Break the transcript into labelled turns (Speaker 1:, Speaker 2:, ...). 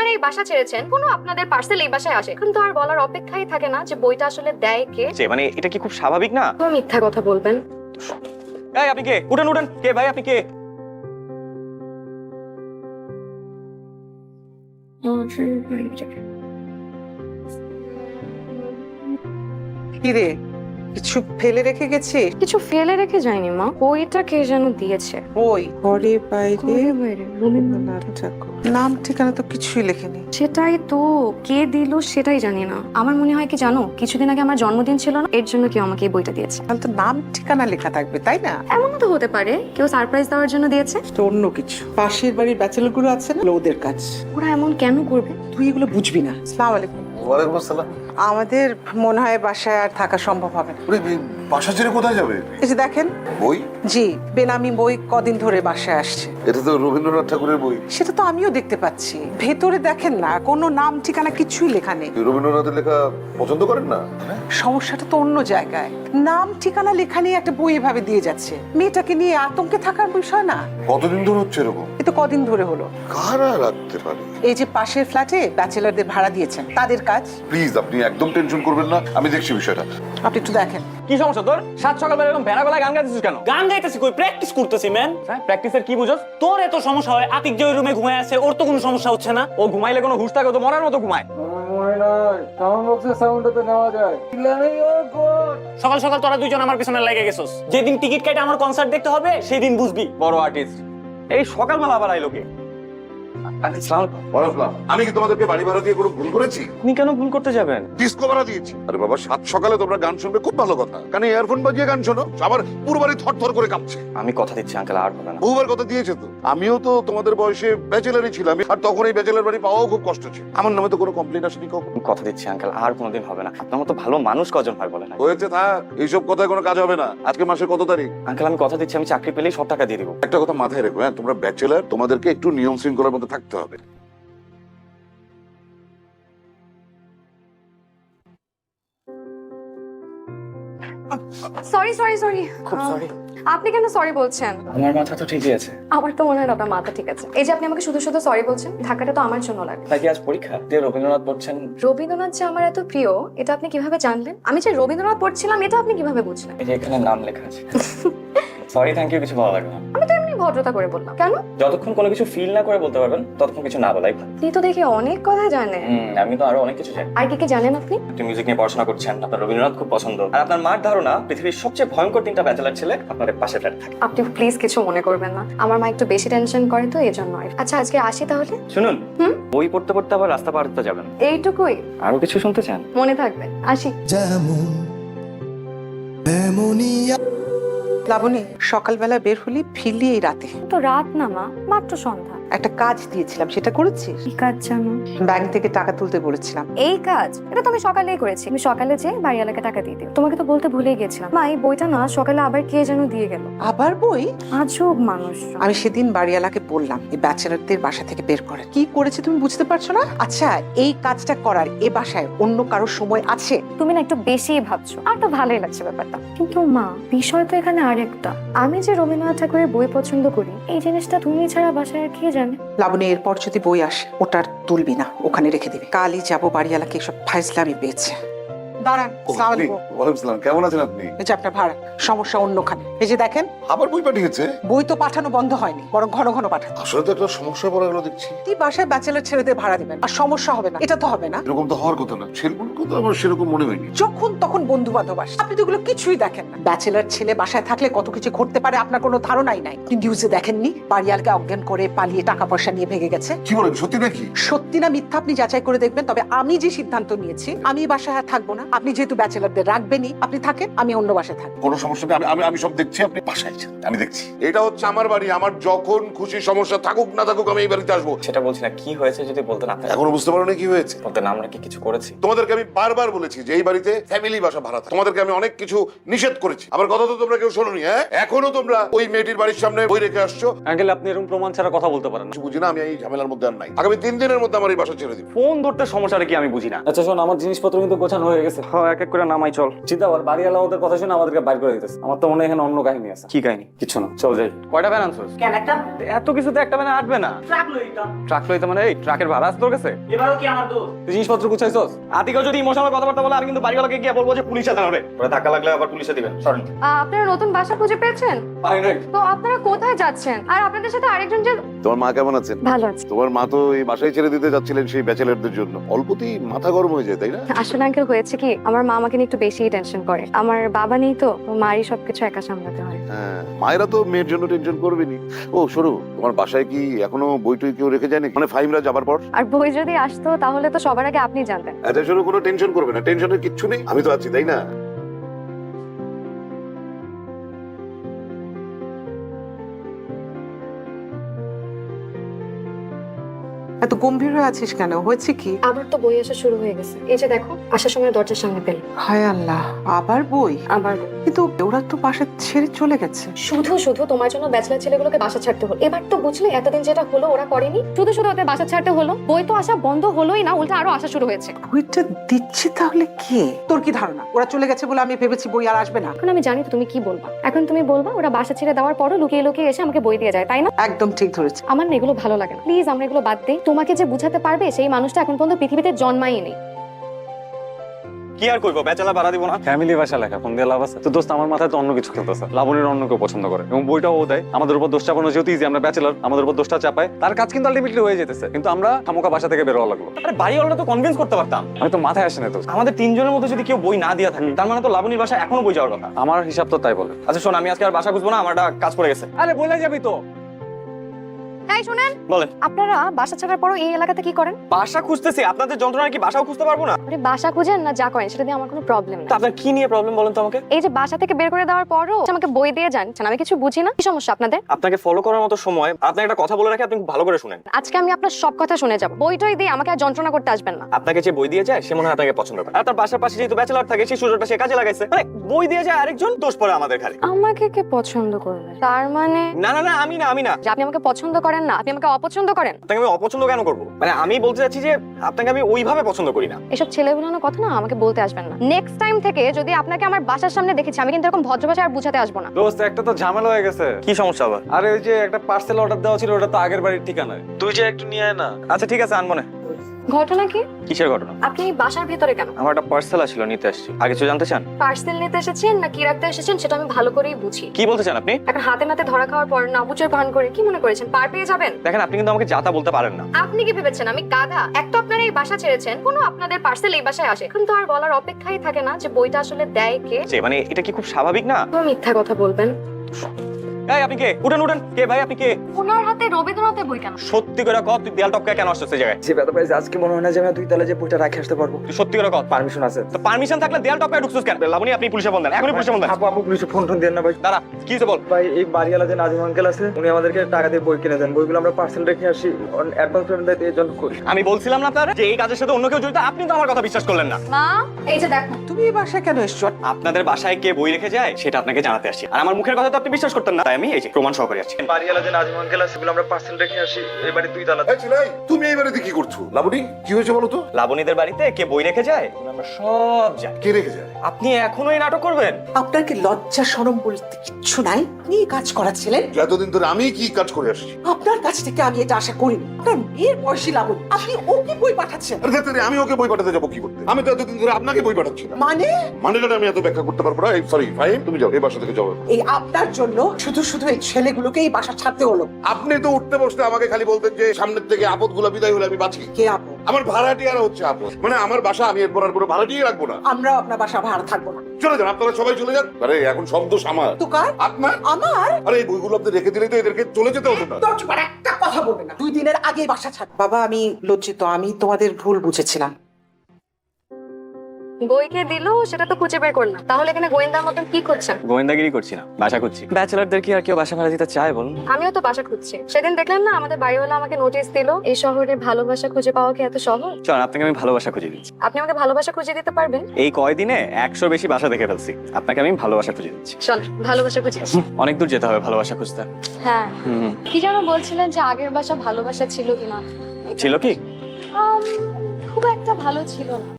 Speaker 1: আপনারা এই বাসা ছেড়েছেন, কোনো আপনাদের পার্সেল এই বাসায় আসে, কিন্তু আর বলার অপেক্ষাই থাকে না যে বইটা আসলে দেয় কে।
Speaker 2: মানে এটা কি খুব স্বাভাবিক না?
Speaker 1: তো মিথ্যা কথা বলবেন।
Speaker 2: এই আপনি কে? উঠেন উঠেন, কে ভাই আপনি কে?
Speaker 3: কিরে কিছু ফেলে রেখে গেছিস?
Speaker 1: কিছু ফেলে রেখে যায়নি মা, বইটা কে যেন দিয়েছে।
Speaker 3: ওই ঘরে বাইরে রবীন্দ্রনাথ ঠাকুর, নাম ঠিকানা তো কিছুই লেখেনি।
Speaker 1: সেটাই তো, কে দিল সেটাই জানি না। আমার মনে হয় কি জানো, কিছুদিন আগে আমার জন্মদিন ছিল না, এর জন্য কেউ আমাকে এই বইটা দিয়েছে।
Speaker 3: তাহলে তো নাম ঠিকানা লেখা থাকবে, তাই না?
Speaker 1: এমনও তো হতে পারে কেউ সারপ্রাইজ দেওয়ার জন্য দিয়েছে।
Speaker 3: তো অন্য কিছু পাশের বাড়ির ব্যাচেলর গুলো আছে না, ওদের কাজ।
Speaker 1: ওরা এমন কেন করবে?
Speaker 3: তুই এগুলো বুঝবি না। আসসালামু আলাইকুম।
Speaker 4: ওয়ালাইকুম আসসালাম।
Speaker 3: আমাদের মনে হয় বাসায় আর থাকা সম্ভব হবে না।
Speaker 4: ওরে, বাসা ছেড়ে কোথায় যাবে?
Speaker 3: এই যে দেখেন,
Speaker 4: বই?
Speaker 3: জি বেনামি বই কদিন ধরে বাসায় আসছে।
Speaker 4: এটা তো রবীন্দ্রনাথ ঠাকুরের বই।
Speaker 3: সেটা তো আমিও দেখতে পাচ্ছি, ভেতরে দেখেন না কোনো নাম ঠিকানা কিছুই লেখা নেই।
Speaker 4: রবীন্দ্রনাথের লেখা পছন্দ করেন না?
Speaker 3: সমস্যাটা তো অন্য জায়গায়। নাম ঠিকানা লেখা নিয়ে একটা বই এভাবে দিয়ে যাচ্ছে, মেয়েটাকে নিয়ে আতঙ্কে থাকার বিষয় না।
Speaker 4: কতদিন ধরে হচ্ছে এরকম?
Speaker 3: এ তো কদিন ধরে হলো।
Speaker 4: কারা রাখতে পারে?
Speaker 3: এই যে পাশের ফ্ল্যাটে ব্যাচেলারদের ভাড়া দিয়েছেন, তাদের কাজ।
Speaker 4: প্লিজ আপনি একদম টেনশন করবেন না, আমি দেখছি বিষয়টা।
Speaker 3: আপনি একটু দেখেন।
Speaker 2: কি সমস্যা তোর? সাত সকালবেলা এরকম ভেড়া গলায় গান গাইতেছিস কেন?
Speaker 5: গান গাইতেছি কই, প্র্যাকটিস করতেছি ম্যান।
Speaker 2: হ্যাঁ, প্র্যাকটিসের কি বুঝোস?
Speaker 5: তোর এত সমস্যা হয়, আতিক যে ওই রুমে ঘুমায় আছে ওর তো কোনো সমস্যা হচ্ছে না।
Speaker 2: ও ঘুমাইলে কোনো হুঁশ থাকে? ও তো মরার মতো ঘুমায়।
Speaker 5: সকাল সকাল তোরা দুইজন আমার পিছনে লেগে গেছস। যেদিন টিকিট কেটে আমার কনসার্ট দেখতে হবে সেই দিন বুঝবি।
Speaker 2: বড় আর্টিস্ট এই সকালবেলা আবার আইলো কে? আসসালামু আলাইকুম।
Speaker 4: আমি কি তোমাদেরকে বাড়ি ভাড়া দিয়ে কোনো ভুল করেছি?
Speaker 2: আপনি কেন ভুল করতে যাবেন?
Speaker 4: ডিস্কো ভাড়া দিয়েছি। আরে বাবা, সাত সকালে তোমরা গান শুনবে, খুব ভালো কথা। কানে ইয়ারফোন বাজিয়ে গান শোনো, আবার পুরো বাড়ি থরথর করে কাঁপছে।
Speaker 2: আমি কথা দিচ্ছি আঙ্কেল, আর হবে না।
Speaker 4: বহুবার কথা দিয়েছে তো। আমিও তো তোমাদের বয়সে ব্যাচেলারই ছিলাম, আর তখন এই ব্যাচেলার বাড়ি পাওয়াও খুব কষ্ট ছিল। আমার নামে তো কোনো কমপ্লেন আসেনি কখন।
Speaker 2: আমি কথা দিচ্ছি আঙ্কেল, আর কোনোদিন হবে না। আপনার মতো ভালো মানুষ কজন হয় বলেন?
Speaker 4: হয়েছে, থাক, এইসব কথায় কোনো কাজ হবে না। আজকে মাসের কত তারিখ?
Speaker 2: আঙ্কেল আমি কথা দিচ্ছি, আমি চাকরি পেলেই সব টাকা দিয়ে দিব।
Speaker 4: একটা কথা মাথায় রেখো, হ্যাঁ, তোমরা ব্যাচেলার, তোমাদেরকে একটু নিয়ম শৃঙ্খলার মধ্যে থাকতে হবে।
Speaker 1: সরি সরি সরি,
Speaker 2: খুব sorry।
Speaker 1: আপনি কেন সরি বলছেন?
Speaker 2: আমার মাথা তো ঠিকই আছে।
Speaker 1: আমার তো মনে হয় না আপনার মাথা ঠিক আছে। এই যে আপনি আমাকে শুধু শুধু সরি বলছেন, ঢাকাটা তো আমার জন্য লাগে।
Speaker 2: তাই কি আজ পরীক্ষা দিয়ে রবীন্দ্রনাথ পড়ছেন?
Speaker 1: রবীন্দ্রনাথ যে আমার এত প্রিয়, এটা আপনি কিভাবে জানলেন? আমি যে রবীন্দ্রনাথ পড়ছিলাম এটা আপনি কিভাবে বুঝলেন?
Speaker 2: এই যে এখানে নাম লেখা আছে। সরি থ্যাংক ইউ কিছু ভালো লাগবে না।
Speaker 1: আমি তো এমনি ভদ্রতা করে বললাম। কেন?
Speaker 2: যতক্ষণ কোনো কিছু ফিল না করে বলতে পারবেন ততক্ষণ কিছু না বলাই ভালো।
Speaker 1: আপনি তো দেখি অনেক কথা জানেন।
Speaker 2: আমি তো আরো অনেক কিছু জানি।
Speaker 1: আর কি কি জানেন আপনি?
Speaker 2: আপনি মিউজিক নিয়ে পড়াশোনা করছেন, আপনার রবীন্দ্রনাথ খুব পছন্দ, আর আপনার মার ধারণা পৃথিবীর সবচেয়ে ভয়ঙ্কর তিনটা ব্যাচেলার ছেলে আপনাদের পাশে ফ্ল্যাটে থাকে।
Speaker 1: আপনি প্লিজ কিছু মনে করবেন না, আমার মা একটু বেশি টেনশন করে তো এই জন্য। আচ্ছা আজকে আসি তাহলে।
Speaker 2: শুনুন,
Speaker 1: হুম?
Speaker 2: বই পড়তে পড়তে আবার রাস্তা পার হতে যাবেন।
Speaker 1: এইটুকুই
Speaker 2: আরো কিছু শুনতে চান?
Speaker 1: মনে থাকবে। আসি।
Speaker 3: লাবণী, সকালবেলা বের হলি, ফিরলি এই রাতে।
Speaker 1: তো রাত না মা, মাত্র সন্ধ্যা।
Speaker 3: একটা কাজ দিয়েছিলাম, সেটা করেছিস?
Speaker 1: কি কাজ জানো?
Speaker 3: ব্যাংক থেকে টাকা তুলতে বলেছিলাম।
Speaker 1: এই কাজ এটা তো আমি সকালেই করেছি। আমি সকালে যে বাড়িওয়ালাকে টাকা দিয়ে দিই। তোমাকে তো বলতে ভুলেই গেছিলাম মা, এই বইটা না সকালে আবার কে যেন দিয়ে গেল।
Speaker 3: আবার বই?
Speaker 1: আজব মানুষ।
Speaker 3: আমি সেদিন বাড়িওয়ালাকে বললাম এই ব্যাচেলারদের বাসা থেকে বের করে। কি করেছে তুমি বুঝতে পারছো না? আচ্ছা, এই কাজটা করার এ বাসায় অন্য কারোর সময় আছে?
Speaker 1: তুমি না একটু বেশিই ভাবছো। আর তো ভালোই লাগছে ব্যাপারটা, কিন্তু মা বিষয় তো এখানে আরেকটা। আমি যে রবীন্দ্রনাথ ঠাকুরের বই পছন্দ করি, এই জিনিসটা তুমি ছাড়া বাসায় আর কে জানে?
Speaker 3: লাবণী, এরপর যদি বই আসে ওটার তুলবি না, ওখানে রেখে দিবি। কালই যাবো বাড়িওয়ালাকে এসব ফাইজলামি পেয়েছে। দাঁড়ান। আসসালামু আলাইকুম।
Speaker 4: ওয়ালাইকুম সালাম, কেমন আছেন আপনি?
Speaker 3: এই যে আপনার ভাড়া, সমস্যা অন্যখানে। এই যে দেখেন,
Speaker 4: আবার বই পাঠিয়েছে?
Speaker 3: বই তো পাঠানো বন্ধ হয়নি, বরং ঘন ঘন পাঠাচ্ছে।
Speaker 4: আসলে তো একটা সমস্যা পড়ে গেল দেখছি।
Speaker 3: কি বাসায় ব্যাচেলার ছেলেদের ভাড়া দিবেন আর সমস্যা হবে না? এটা তো হবে না।
Speaker 4: এরকম তো হওয়ার কথা না। সেরকম তো আমার সেরকম মনে হয়নি।
Speaker 3: যখন তখন বন্ধু বান্ধব আসে, আপনি তো এগুলো কিছুই দেখেন না। ব্যাচেলার ছেলে বাসায় থাকলে কত কিছু ঘটতে পারে আপনার কোনো ধারণাই নাই। আপনি নিউজে দেখেননি বাড়িয়ালকে অজ্ঞান করে পালিয়ে টাকা পয়সা নিয়ে ভেগে গেছে?
Speaker 4: কি বলেন, সত্যি নাকি?
Speaker 3: সত্যি না মিথ্যা আপনি যাচাই করে দেখবেন। তবে আমি যে সিদ্ধান্ত নিয়েছি, আমি এই বাসায় আর থাকবো না। আপনি যেহেতু ব্যাচেলারদের রাখবেনই, আপনি থাকেন, আমি অন্য বাসায় থাকবো।
Speaker 4: কোনো সমস্যা নেই, আমি আমি সব দেখছি, আপনি বাসায় যান, আমি দেখছি। এটা হচ্ছে আমার বাড়ি, আমার যখন খুশি সমস্যা থাকুক না থাকুক আমি এই বাড়িতে আসবো।
Speaker 2: সেটা বলছি না, কি হয়েছে যদি বলতেন। আপনি
Speaker 4: এখনো বুঝতে পারো না কি হয়েছে?
Speaker 2: বলতেন আমরা কি কিছু করেছি?
Speaker 4: তোমাদেরকে আমি বারবার বলেছি যে এই বাড়িতে ফ্যামিলি বাসা ভাড়া থাকে। তোমাদেরকে আমি অনেক কিছু নিষেধ করেছি, আমার কথা তো তোমরা কেউ শোনোনি। হ্যাঁ, এখনো তোমরা ওই মেয়েটির বাড়ির সামনে বই রেখে আসছো।
Speaker 2: আঙ্কেল আপনি এরকম প্রমাণ ছাড়া কথা বলতে পারেন না।
Speaker 4: কিছু বুঝি না, আমি এই ঝামেলার মধ্যে আর নাই। আগামী 3 দিনের মধ্যে আমার এই বাসা ছেড়ে দিন।
Speaker 2: ফোন ধরতে সমস্যাটা কি আমি বুঝি না। আচ্ছা শোন, আমার জিনিসপত্র কিন্তু গোছানো হয়ে গেছে।
Speaker 5: গেছে। হ্যাঁ, এক এক করে নামাই চল। চিন্তা কর, বাড়িওয়ালা ওদের কথা শুনে আমাদেরকে বাইর করে দিতেছে। আমার তো মনে হয় এখানে অন্য কাহিনী আছে। কি কাহিনী? কিছু না, চল যাই। কয়টা ভ্যান আনছস?
Speaker 6: কেন একটা
Speaker 5: এত কিছুতে একটা ভ্যানে আটবে না।
Speaker 6: ট্রাক লইতাম।
Speaker 5: ট্রাক লইতে মানে এই ট্রাকের ভাড়া আছে তোর কাছে?
Speaker 6: এবারও কি আমার দোষ?
Speaker 5: তুই জিনিসপত্র গুছাইছস?
Speaker 2: আতিকেও যদি ইমোশনাল কথাবার্তা বলে আমি কিন্তু বাড়িওয়ালাকে গিয়ে বলবো যে পুলিশে জানাবে। ওরা ধাক্কা লাগলে আবার পুলিশে দিবেন। সরেন।
Speaker 1: আপনারা নতুন বাসা খুঁজে পেয়েছেন?
Speaker 5: পারি নাই।
Speaker 1: তো আপনারা কোথায় যাচ্ছেন? আর আপনাদের সাথে আরেকজন যে
Speaker 4: তোমার মা কেমন আছেন?
Speaker 1: ভালো আছে।
Speaker 4: তোমার মা তো এই বাসায় ছেড়ে দিতে যাচ্ছিলেন সেই ব্যাচেলারদের জন্য। অল্পতেই মাথা গরম হয়ে যায়, তাই না?
Speaker 1: আসলে আঙ্কেল হয়েছে কি, আমার মা আমাকে নিয়ে একটু বেশিই টেনশন করে। আমার বাবা নেই তো, মারই সবকিছু একা সামলাতে হয়।
Speaker 4: হ্যাঁ, মায়েরা তো মেয়ের জন্য টেনশন করবেনি। ও শোনো, তোমার বাসায় কি এখনো বই টই কেউ রেখে যায়নি? মানে ফাহিমরা যাবার পর?
Speaker 1: আর বই যদি আসতো তাহলে তো সবার আগে আপনি জানতেন।
Speaker 4: এত শোনো, কোনো টেনশন করবে না, টেনশনের কিচ্ছু নেই, আমি তো আছি, তাই না?
Speaker 3: এত গম্ভীর হয়ে আছিস কেন? হয়েছে কি?
Speaker 1: আবার তো বই আসা শুরু হয়ে গেছে। এই যে দেখো, আসার সময় দরজার সামনে পেল।
Speaker 3: হায় আল্লাহ, আবার বই?
Speaker 1: আবার বই।
Speaker 3: কিন্তু ওরা তো বাসা ছেড়ে চলে গেছে।
Speaker 1: শুধু শুধু তোমার জন্য ব্যাচেলার ছেলেগুলোকে বাসা ছাড়তে হলো। এবার তো বুঝলে এতদিন যেটা হলো ওরা করেনি, শুধু শুধু ওদের বাসা ছাড়তে হলো। বই তো আসা বন্ধ হলোই না, উল্টা আরো আসা শুরু হয়েছে।
Speaker 3: বইটা দিচ্ছে তাহলে কে? তোর কি ধারণা ওরা চলে গেছে বলে আমি ভেবেছি বই আর আসবে না?
Speaker 1: এখন আমি জানি তো তুমি কি বলবা। এখন তুমি বলবা ওরা বাসা ছেড়ে দেওয়ার পরও লুকিয়ে লুকিয়ে এসে আমাকে বই দিয়ে যায়, তাই না?
Speaker 3: একদম ঠিক ধরেছে।
Speaker 1: আমার না এগুলো ভালো লাগে না। প্লিজ আমরা এগুলো বাদ দিই। তোমাকে যে বুঝাতে পারবে সেই মানুষটা এখন পর্যন্ত পৃথিবীতে জন্মাই নেই।
Speaker 2: কি আর করবো, ব্যাচেলার ভাড়া দিব না।
Speaker 5: ফ্যামিলি বাসা লেখা, ফোন দিয়ে লাভ আছে? তো দোস্ত আমার মাথায় তো অন্য কিছু খেলতেছে। লাবণীর অন্য কেউ পছন্দ করে এবং বইটাও ও দেয়। আমাদের উপর দোষ চাপানো যেহেতু ইজি, আমরা ব্যাচেলার, আমাদের উপর দোষটা চাপায়। তার কাজ কিন্তু আলটিমেটলি হয়ে যেতেছে, কিন্তু আমরা খামোকা বাসা থেকে বের হওয়া লাগলো।
Speaker 2: আরে বাড়িওয়ালা তো কনভিন্স করতে পারতাম।
Speaker 5: আমি তো মাথায় আসে না তো।
Speaker 2: আমাদের তিনজনের মধ্যে যদি কেউ বই না দিয়া থাকে তার মানে তো লাবণীর বাসায় এখনো বই যাওয়ার কথা।
Speaker 5: আমার হিসাব তো তাই বলে।
Speaker 2: আচ্ছা শোন, আমি আজকে আর বাসা খুঁজবো না, আমার একটা কাজ পড়ে গেছে।
Speaker 5: আরে বলে যাবি তো।
Speaker 1: তাই শুনেন,
Speaker 2: বলেন।
Speaker 1: আপনারা বাসা ছাড়ার পরও এই এলাকাতে কি করেন?
Speaker 2: বাসা খুঁজতেছি, আপনাদের যন্ত্রণা কি বাসাও খুঁজতে পারবো না?
Speaker 1: আরে বাসা খুঁজেন না যা করেন সেটা দিয়ে আমার কোনো প্রবলেম
Speaker 2: তা
Speaker 1: না।
Speaker 2: আপনার কি নিয়ে প্রবলেম বলেন তো আমাকে?
Speaker 1: এই যে বাসা থেকে বের করে দেওয়ার পরও আমাকে বই দিয়ে যান, আমি কিছু বুঝি না। কি সমস্যা আপনাদের?
Speaker 2: আপনাকে ফলো করার মতো সময়, আপনাকে একটা কথা বলে রাখি, আপনি খুব ভালো করে শুনেন।
Speaker 1: আজকে আমি আপনার সব কথা শুনে যাব। বইটই দিয়ে আমাকে আর যন্ত্রণা করতে আসবেন না।
Speaker 2: আপনাকে যে বই দিয়ে যায় সে মনে হয় আপনাকে পছন্দ করে। আর তার বাসার পাশে যেহেতু ব্যাচেলার থাকে সেই সুযোগটা সে কাজে লাগাইছে। মানে বই দিয়ে যায় আরেকজন, দোষ পড়ে আমাদের খালি।
Speaker 1: আমাকে কে পছন্দ করবে? তার মানে
Speaker 2: না না না, আমি না।
Speaker 1: যে আপনি আমাকে পছন্দ করেন না, আপনি আমাকে অপছন্দ করেন।
Speaker 2: আপনাকে আমি অপছন্দ কেন করবো? মানে আমি বলতে চাচ্ছি যে আপনাকে আমি ওইভাবে পছন্দ করি না।
Speaker 1: এসব ছেলেগুলোর কথা না আমাকে বলতে আসবেন না। নেক্সট টাইম থেকে যদি আপনাকে আমার বাসার সামনে দেখেছি, আমি কিন্তু এরকম ভদ্র ভাষায় আর বুঝাতে আসবো না।
Speaker 5: দোস্ত একটা তো ঝামেলা হয়ে গেছে।
Speaker 2: কি সমস্যা আবার?
Speaker 5: আরে ওই যে একটা পার্সেল অর্ডার দেওয়া ছিল, ওটা তো আগের বাড়ির ঠিকানায়। তুই যে একটু নিয়ে আয় না।
Speaker 2: আচ্ছা ঠিক আছে, আনবো না।
Speaker 1: ঘটনা কি?
Speaker 2: কিসের ঘটনা?
Speaker 1: আপনি এই বাসার ভিতরে কেন?
Speaker 2: আমার একটা পার্সেল আসছিল, নিতে আসছি। আগে কিছু জানতে চান?
Speaker 1: পার্সেল নিতে এসেছেন না কি রাখতে এসেছেন সেটা আমি ভালো করেই বুঝি।
Speaker 2: কি বলতে চান আপনি?
Speaker 1: এখন হাতে নাতে ধরা খাওয়ার পর না বুঝের ভান করে কি মনে করেছেন পার পেয়ে যাবেন?
Speaker 2: দেখেন, আপনি কিন্তু আমাকে যাতা বলতে পারেন না।
Speaker 1: আপনি কি ভেবেছেন আমি গাধা? এক তো আপনারা এই বাসা ছেড়েছেন, কোনো আপনাদের পার্সেল এই বাসায় আসে, কিন্তু আর বলার অপেক্ষাই থাকে না যে বইটা আসলে দেয় কে।
Speaker 2: যে মানে এটা কি খুব স্বাভাবিক না?
Speaker 1: তো মিথ্যা কথা বলবেন।
Speaker 2: এই আপনি কে? উঠেন উঠেন। কে ভাই আপনি কে?
Speaker 1: ওনার হাতে রবীন্দ্রনাথের বই কেন?
Speaker 2: সত্যি করে কত, তুই দেয়াল টপকায় কেন আসছিস এই জায়গায়?
Speaker 7: যে ব্যাপারে আজকে মনে হয় না যে আমি দুই তালে যে বইটা রাখে আসতে পারবো।
Speaker 2: তুই সত্যি করে কত।
Speaker 7: পারমিশন আছে?
Speaker 2: তো পারমিশন থাকলে দেয়াল টপকায় ঢুকছিস কেন? লাবণী, আপনি পুলিশে ফোন দেন, এখনই পুলিশে ফোন দেন।
Speaker 7: আপু আপু পুলিশে ফোন দেন না ভাই।
Speaker 2: দাঁড়া, কি হয়েছে বল।
Speaker 7: ভাই এই বাড়িওয়ালা যে নাজিম আঙ্কেল আছে উনি আমাদেরকে টাকা দিয়ে বই কিনে দেন। বইগুলো আমরা পার্সেল রেখে আসি, অ্যাডভান্স পেমেন্ট দিতে এই জন্য করি।
Speaker 2: আমি বলছিলাম না আপনারা যে এই কাজের সাথে অন্য কেউ জড়িত? আপনি তো আমার কথা বিশ্বাস করলেন না।
Speaker 1: মা, এই যে দেখো।
Speaker 3: তুমি এই বাসায় কেন এসছো?
Speaker 2: আপনাদের বাসায় কে বই রেখে যায় সেটা আপনাকে জানাতে আসছি। আর আমার মুখের কথা তো আপনি বিশ্বাস করতেন না, তাই আমি এই যে প্রমাণ সহকারে আসছি।
Speaker 7: বাড়িওয়ালা যে নাজিম আঙ্কেল আছে এগুলো আমরা পার্সেল রেখে আসি এই বাড়ি দুই তালা।
Speaker 4: এই ছেলে, তুমি এই বাড়িতে কি করছো? লাবণী, কি হয়েছে বলো তো?
Speaker 2: লাবণীদের বাড়িতে কে বই রেখে যায় আমরা সব জানি।
Speaker 4: কে রেখে যায়?
Speaker 2: আপনি এখনো এই নাটক করবেন?
Speaker 3: আপনার কি লজ্জা শরম বলতে কিচ্ছু নাই? আপনি এই কাজ করাচ্ছিলেন?
Speaker 4: এতদিন ধরে আমি কি কাজ করে আসছি?
Speaker 3: আপনার কাছ থেকে আমি এটা আশা করিনি। আপনার মেয়ের বয়সী লাবণী, আপনি ওকে বই পাঠাচ্ছেন?
Speaker 4: আরে ধ্যাত্তেরি, আমি ওকে বই পাঠাতে যাবো কি করতে? আমি তো এতদিন ধরে আপনাকে বই পাঠাচ্ছি না। মানেটা আমি এত ব্যাখ্যা করতে পারবো না। সরি ফাহিম, তুমি যাও, এই বাসা থেকে যাও।
Speaker 3: এই আপনার জন্য শুধু শুধু এই ছেলেগুলোকে এই বাসা ছাড়তে হলো।
Speaker 4: আপনি তো উঠতে বসতে আমাকে খালি বলতেন যে সামনের থেকে আপদগুলো বিদায় হলে আমি বাঁচি।
Speaker 3: কে আপু?
Speaker 4: আমার ভাড়াটিয়ারা হচ্ছে আপদ। মানে আমার বাসা আমি এরপর আর কোনো ভাড়াটিয়ে রাখবো না।
Speaker 3: আমরাও আপনার বাসা ভাড়া থাকবো না।
Speaker 4: চলে যান, আপনারা সবাই চলে যান। আরে এখন সব দোষ আমার।
Speaker 3: তো কার?
Speaker 4: আপনার?
Speaker 3: আমার?
Speaker 4: আরে এই বইগুলো আপনি রেখে দিলেই তো এদেরকে চলে যেতে হতো না।
Speaker 3: দশবার একটা কথা বলবে না। 2 দিনের আগে বাসা ছাড়। বাবা আমি লজ্জিত, আমি তোমাদের ভুল বুঝেছিলাম।
Speaker 1: বইকে দিলো সেটা তো খুঁজে বের করলাম, তাহলে এখানে গোয়েন্দার মতন কি করছেন?
Speaker 2: গোয়েন্দাগিরি করছি না, বাসা খুঁজছি। ব্যাচেলারদের কি আর কেউ বাসা ভাড়া দিতে চায় বলুন?
Speaker 1: আমিও তো বাসা খুঁজছি। সেদিন দেখলেন না আমাদের বাড়িওয়ালা আমাকে নোটিশ দিল। এই শহরে ভালোবাসা খুঁজে পাওয়া কি এত সহজ?
Speaker 2: চল, আপনাকে আমি ভালোবাসা খুঁজে দিচ্ছি।
Speaker 1: আপনি আমাকে ভালোবাসা খুঁজে দিতে পারবেন?
Speaker 2: এই কয়দিনে 100 বেশি বাসা দেখে ফেলছি, আপনাকে আমি ভালোবাসা খুঁজে দিচ্ছি।
Speaker 1: চল ভালোবাসা খুঁজে আসি।
Speaker 2: অনেক দূর যেতে হবে ভালোবাসা খুঁজতে।
Speaker 1: হ্যাঁ,
Speaker 2: হুম,
Speaker 1: কি যেন বলছিলেন যে আগের বাসা ভালোবাসা ছিল কিনা?
Speaker 2: ছিল কি?
Speaker 1: খুব একটা ভালো ছিল না।